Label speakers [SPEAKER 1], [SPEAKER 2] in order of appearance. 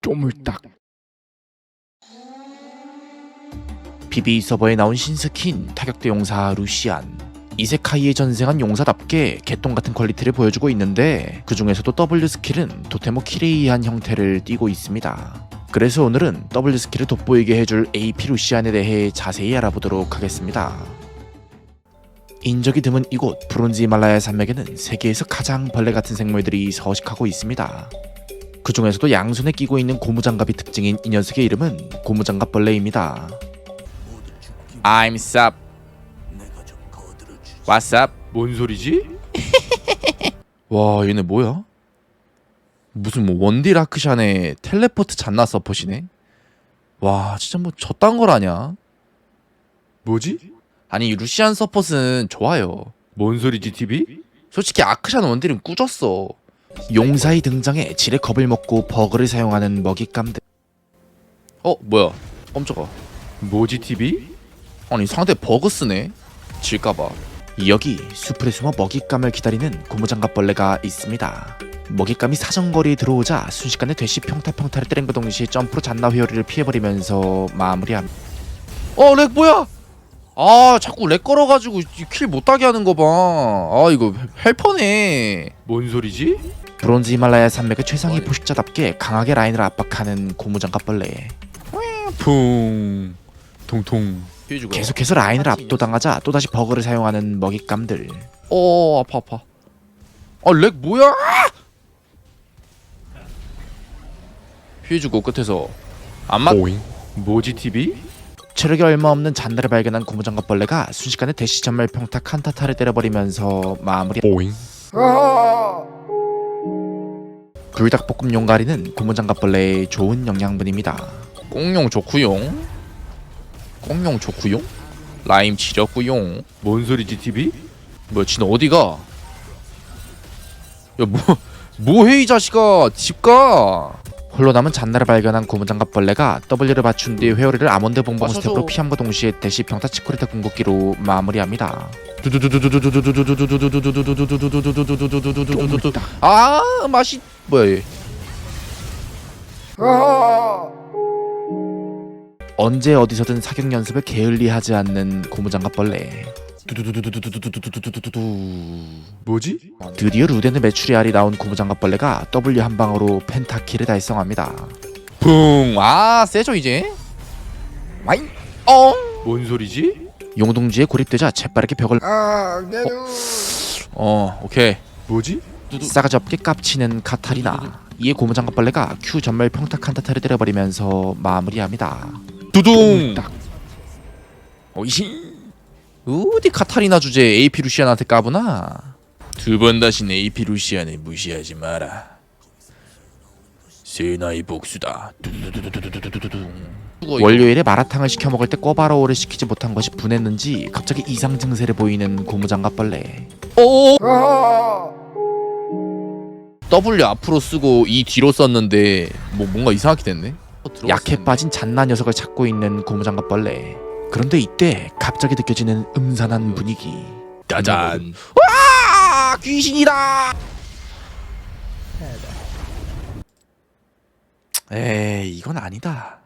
[SPEAKER 1] 쪼물딱. PB 서버에 나온 신스킨 타격대 용사 루시안. 이세카이에 전생한 용사답게 개똥같은 퀄리티를 보여주고 있는데 그 중에서도 W 스킬은 도테모 키레이한 형태를 띠고 있습니다. 그래서 오늘은 W 스킬을 돋보이게 해줄 AP 루시안에 대해 자세히 알아보도록 하겠습니다. 인적이 드문 이곳 브론즈 히말라야 산맥에는 세계에서 가장 벌레 같은 생물들이 서식하고 있습니다. 그 중에서도 양손에 끼고 있는 고무장갑이 특징인 이 녀석의 이름은 고무장갑 벌레입니다. I'm sup. What's up?
[SPEAKER 2] 뭔 소리지?
[SPEAKER 1] 와 얘네 뭐야? 무슨 뭐 원딜 아크샨의 텔레포트 잔나 서폿이네? 와 진짜 뭐 저딴 걸 아냐?
[SPEAKER 2] 뭐지?
[SPEAKER 1] 아니 루시안 서폿은 좋아요.
[SPEAKER 2] 뭔 소리지 TV?
[SPEAKER 1] 솔직히 아크샨 원딜은 꾸졌어. 용사의 등장에 질의 겁을 먹고 버그를 사용하는 먹잇감들. 뭐야 깜짝아.
[SPEAKER 2] 뭐지 TV?
[SPEAKER 1] 아니 상대 버그 쓰네? 질까봐. 여기 수풀에 숨어 먹잇감을 기다리는 고무장갑벌레가 있습니다. 먹잇감이 사정거리에 들어오자 순식간에 대시 평타를 때린과 동시에 점프로 잔나 회오리를 피해버리면서 마무리합니다. 렉 뭐야? 자꾸 렉 걸어가지고 킬 못하게 하는 거 봐. 이거 헬퍼네.
[SPEAKER 2] 뭔 소리지?
[SPEAKER 1] 브론즈 히말라야 산맥의 최상위 포식자답게 강하게 라인을 압박하는 고무장갑벌레.
[SPEAKER 2] 풍 통통.
[SPEAKER 1] 계속해서 라인을 압도당하자 또다시 버그를 사용하는 먹잇감들. 아파. 렉 뭐야? 피해주고 끝에서 안 맞.
[SPEAKER 2] 뭐지 TV?
[SPEAKER 1] 체력이 얼마 없는 잔나를 발견한 고무장갑벌레가 순식간에 대시 전멸 평타 칸타타를 때려버리면서 마무리. 불닭볶음 용가리는 고무장갑벌레의 좋은 영양분입니다. 꽁용 좋구용. 라임 지렸구용.
[SPEAKER 2] 뭔 소리지 TV?
[SPEAKER 1] 뭐야 진 어디가? 야 뭐해 이 자식아 집가. 홀로 남은 잔나를 발견한 고무장갑벌레가 W를 맞춘 뒤 회오리를 아몬드 봉봉 스텝으로 피함과 동시에 대시 평타 치코리타 궁극기로 마무리합니다. 맛이 뭐야 얘. 언제 어디서든 사격 연습을 게을리하지 않는 고무장갑벌레.
[SPEAKER 2] 뭐지?
[SPEAKER 1] 드디어 루덴의 메추리알이 나온 고무장갑벌레가 W 한 방으로 펜타킬을 달성합니다. 붕! 세죠 이제? 와잉!
[SPEAKER 2] 뭔 소리지?
[SPEAKER 1] 용동지에 고립되자 재빠르게 벽을 오케이.
[SPEAKER 2] 뭐지?
[SPEAKER 1] 싸가지 없게 깝치는 카타리나. 이에 고무장갑벌레가 Q 전멸 평타 칸타타를 때려버리면서 마무리합니다. 두둥! 어디 카타리나 주제 AP 루시안한테 까부나? 두 번 다신 AP 루시안을 무시하지 마라. 세나의 복수다. 월요일에 마라탕을 시켜 먹을 때 꿔바로우를 시키지 못한 것이 분했는지 갑자기 이상 증세를 보이는 고무장갑벌레. W 앞으로 쓰고 E 뒤로 썼는데 뭔가 이상하게 됐네. 약해 빠진 잔나 녀석을 찾고 있는 고무장갑벌레. 그런데 이때 갑자기 느껴지는 음산한 분위기. 짜잔. 와! 귀신이다. 에이, 이건 아니다.